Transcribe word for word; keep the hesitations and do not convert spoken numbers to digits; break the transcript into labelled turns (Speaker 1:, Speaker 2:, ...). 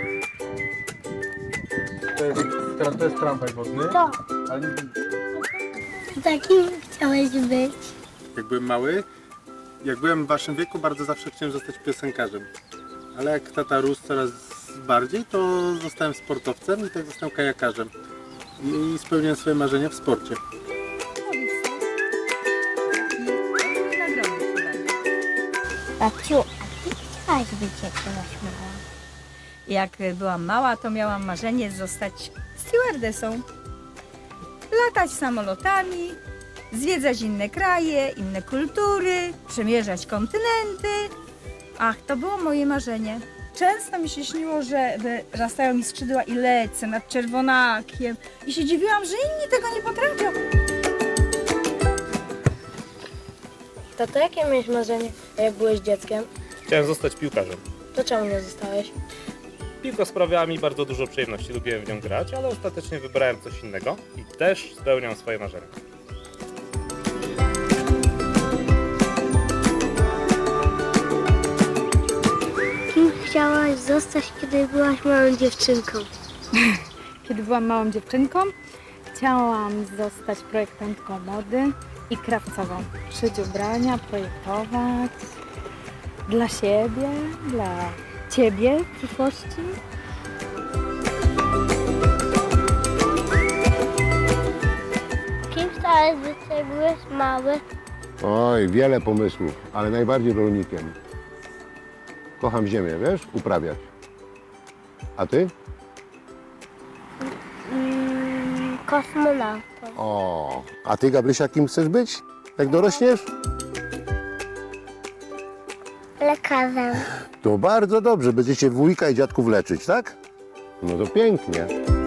Speaker 1: To jest, tra- to jest tramwaj wodny.
Speaker 2: To.
Speaker 1: Ale nie...
Speaker 2: Takim chciałeś być.
Speaker 3: Jak byłem mały, jak byłem w waszym wieku, bardzo zawsze chciałem zostać piosenkarzem. Ale jak tata rósł coraz bardziej, to zostałem sportowcem i tak zostałem kajakarzem. I spełniłem swoje marzenia w sporcie.
Speaker 2: Babciu, a ty chciałaś być jak byłaś mała?
Speaker 4: Jak byłam mała, to miałam marzenie zostać stewardessą. Latać samolotami, zwiedzać inne kraje, inne kultury, przemierzać kontynenty. Ach, to było moje marzenie. Często mi się śniło, że wyrastają mi skrzydła i lecę nad Czerwonakiem. I się dziwiłam, że inni tego nie potrafią.
Speaker 5: Tato, jakie miałeś marzenie, jak byłeś dzieckiem?
Speaker 6: Chciałem zostać piłkarzem.
Speaker 5: To czemu nie zostałeś?
Speaker 6: Piłka sprawiała mi bardzo dużo przyjemności, lubiłem w nią grać, ale ostatecznie wybrałem coś innego i też spełniam swoje marzenia.
Speaker 2: Kim chciałaś zostać, kiedy byłaś małą dziewczynką?
Speaker 7: Kiedy byłam małą dziewczynką, chciałam zostać projektantką mody i krawcową. Szyć ubrania, projektować dla siebie, dla ciebie w przyszłości.
Speaker 2: Kim chciałaś być, jak byłeś mały?
Speaker 8: Oj, wiele pomysłów, ale najbardziej rolnikiem. Kocham ziemię, wiesz, uprawiać. A ty?
Speaker 2: Mm, kosmonautą.
Speaker 8: O, a ty, Gabrysia, kim chcesz być, jak dorośniesz?
Speaker 2: Lekarzem.
Speaker 8: To bardzo dobrze, będziecie wujka i dziadków leczyć, tak? No to pięknie.